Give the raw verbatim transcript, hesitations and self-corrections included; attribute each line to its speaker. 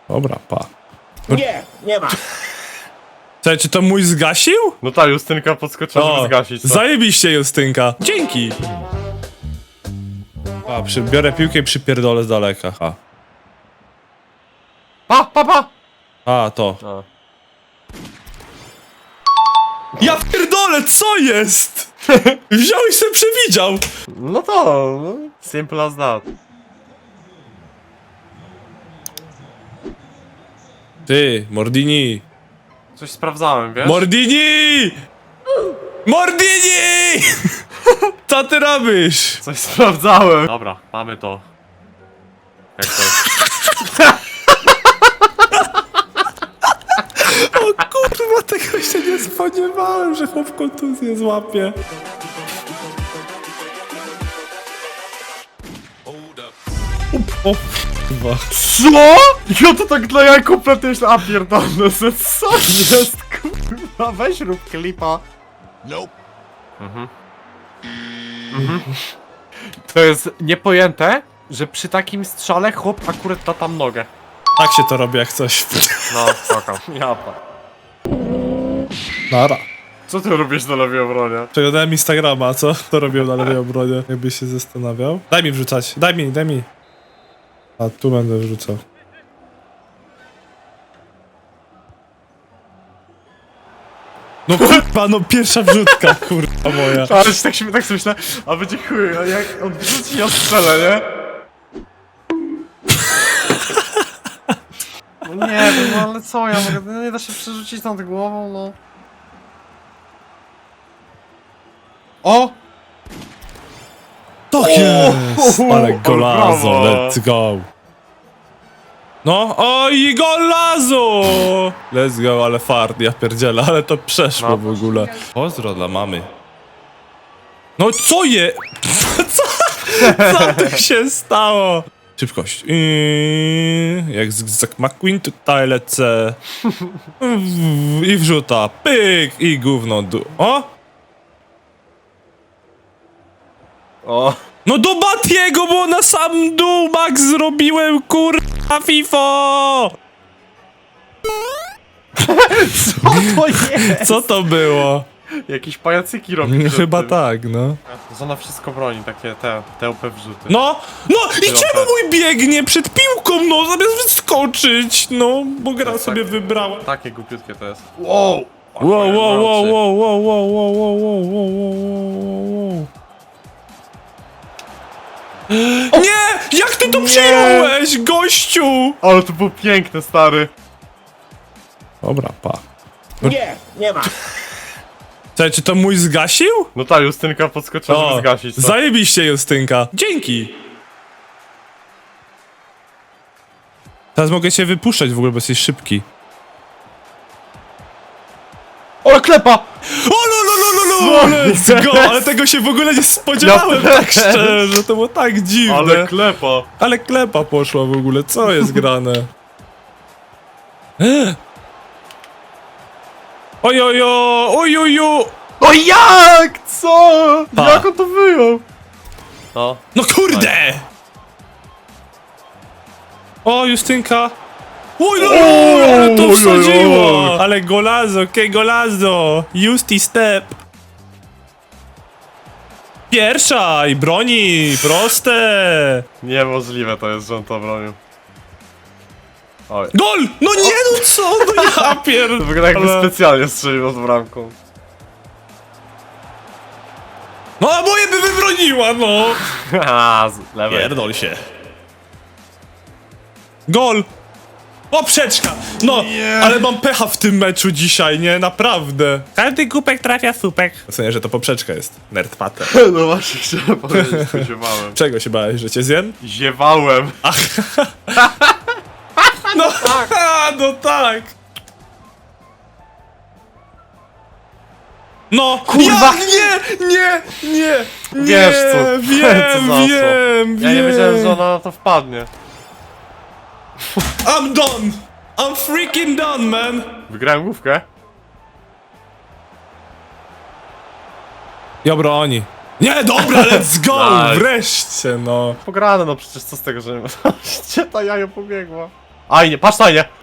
Speaker 1: Dobra, pa.
Speaker 2: Nie, nie ma.
Speaker 1: Czekaj, czy to mój zgasił?
Speaker 3: No ta Justynka podskoczyła, żeby zgasić to.
Speaker 1: Zajebiście, Justynka. Dzięki. A, przy, biorę piłkę i przypierdolę z daleka. A,
Speaker 3: Pa, pa, pa!
Speaker 1: A to.
Speaker 3: A.
Speaker 1: Ja pierdolę, co jest? Wziął i sobie przewidział.
Speaker 3: No to, no, simple as that.
Speaker 1: Ty, Mordini.
Speaker 3: Coś sprawdzałem, wiesz?
Speaker 1: Mordini! Mordini! Co ty robisz?
Speaker 3: Coś sprawdzałem. Dobra, mamy to. Jak to jest?
Speaker 1: O kurwa, tego się nie spodziewałem, że chłop kontuzję złapie. O kurwa.
Speaker 3: Co? Ja to tak dla jaj kompletnie myślę, a pierdolę, co jest, kurwa, weź rób klipa. Nope. Mhm. Mhm. To jest niepojęte, że przy takim strzale chłop akurat da tam nogę.
Speaker 1: Tak się to robi jak coś.
Speaker 3: No, spoko. Japa.
Speaker 1: Nara.
Speaker 3: Co ty robisz na lewej obronie?
Speaker 1: Przeglądałem Instagrama, co? To robią na lewej obronie, jakbyś się zastanawiał. Daj mi wrzucać, daj mi, daj mi. A tu będę wrzucał. No kurwa, no pierwsza wrzutka, kurwa moja.
Speaker 3: Ale się tak się tak sobie myślę, a będzie chuj, a jak on wrzuci, ja strzelę, nie? No nie wiem, no ale co ja mogę, no nie da się przerzucić nad głową, no. O!
Speaker 1: To jest!
Speaker 3: O,
Speaker 1: Ale golazo,
Speaker 3: brawo.
Speaker 1: let's go. No, oj, golazo! Let's go, ale fart, ja pierdzielę, ale to przeszło
Speaker 3: No.
Speaker 1: w ogóle. Pozdro dla mamy. No co je? Co? Co tu się stało? Szybkość. Yy, jak Zygzak McQueen tutaj lecę. I wrzuta. Pyk! I gówno dół. O!
Speaker 3: O!
Speaker 1: No do Batiego, bo na sam dół Max zrobiłem, kurwa, FIFO!
Speaker 3: Co to jest?
Speaker 1: Co to było?
Speaker 3: Jakieś pajacyki robi przed
Speaker 1: Chyba
Speaker 3: tym.
Speaker 1: tak, no.
Speaker 3: Zona wszystko broni, takie te, te O P wrzuty.
Speaker 1: No, no i
Speaker 3: Pilota.
Speaker 1: czemu mój biegnie przed piłką, no, zamiast wyskoczyć, no, bo gra
Speaker 3: jest
Speaker 1: sobie
Speaker 3: tak-
Speaker 1: wybrała.
Speaker 3: Takie głupiutkie to jest. Wow!
Speaker 1: Wow, wow, wow, wow, wow, wow, wow, wow, wow, wow, wow, wow. Nie! Jak ty to
Speaker 3: Nie!
Speaker 1: przyjąłeś, gościu?
Speaker 3: Ale to było piękne, stary.
Speaker 1: Dobra, pa.
Speaker 2: Nie, nie ma.
Speaker 1: Czekaj, czy to mój zgasił?
Speaker 3: No ta Justynka podskoczyła, żeby zgasić to.
Speaker 1: Zajebiście, Justynka. Dzięki. Teraz mogę cię wypuszczać w ogóle, bo jesteś szybki.
Speaker 3: O, klepa!
Speaker 1: O, lo, lo, lo, lo, lo, let's go! Ale tego się w ogóle nie spodziewałem,
Speaker 3: Ja
Speaker 1: tak
Speaker 3: też.
Speaker 1: szczerze, to było tak dziwne.
Speaker 3: Ale klepa!
Speaker 1: Ale klepa poszła w ogóle, co jest grane? E? Ojojo, ojojo!
Speaker 3: No jak? Co?
Speaker 1: Pa.
Speaker 3: Jak on to wyjął? No.
Speaker 1: No kurde! O, Justynka! Oj, no, ale to
Speaker 3: Oj, oj,
Speaker 1: wsadziło!
Speaker 3: oj.
Speaker 1: Ale golazo, ke golazo! Justy step! Pierwsza i broni, proste!
Speaker 3: Niemożliwe to jest, że on to bronił. Oj.
Speaker 1: Gol! No nie, no co? No ja pierd...
Speaker 3: To wygląda jakby
Speaker 1: Ale-
Speaker 3: specjalnie strzelił z bramką.
Speaker 1: No a moje by wybroniła, no!
Speaker 3: Haha, z lewej.
Speaker 1: Pierdol się. Gol! Poprzeczka! No,
Speaker 3: Nie.
Speaker 1: ale mam pecha w tym meczu dzisiaj, nie? Naprawdę. Każdy głupek trafia słupek. W sensie, że to poprzeczka jest. Nerd pater.
Speaker 3: No właśnie, chciałem powiedzieć, że ziewałem.
Speaker 1: Czego się bałeś, że cię zjem?
Speaker 3: Ziewałem.
Speaker 1: No tak! No tak! No!
Speaker 3: Kurwa.
Speaker 1: Jak? Nie! Nie! Nie! Nie!
Speaker 3: Wiesz co?
Speaker 1: Wiem,
Speaker 3: Co za co?
Speaker 1: wiem,
Speaker 3: Ja nie
Speaker 1: wiem.
Speaker 3: wiedziałem, że ona na to wpadnie.
Speaker 1: I'm done! I'm freaking done, man!
Speaker 3: Wygrałem główkę.
Speaker 1: Ja broni. Nie, dobra, let's go!
Speaker 3: Nice.
Speaker 1: Wreszcie, no.
Speaker 3: Pograne, no przecież co z tego, że nie ma. Gdzie ta jajo pobiegła? Ajnie, patrz tajnie!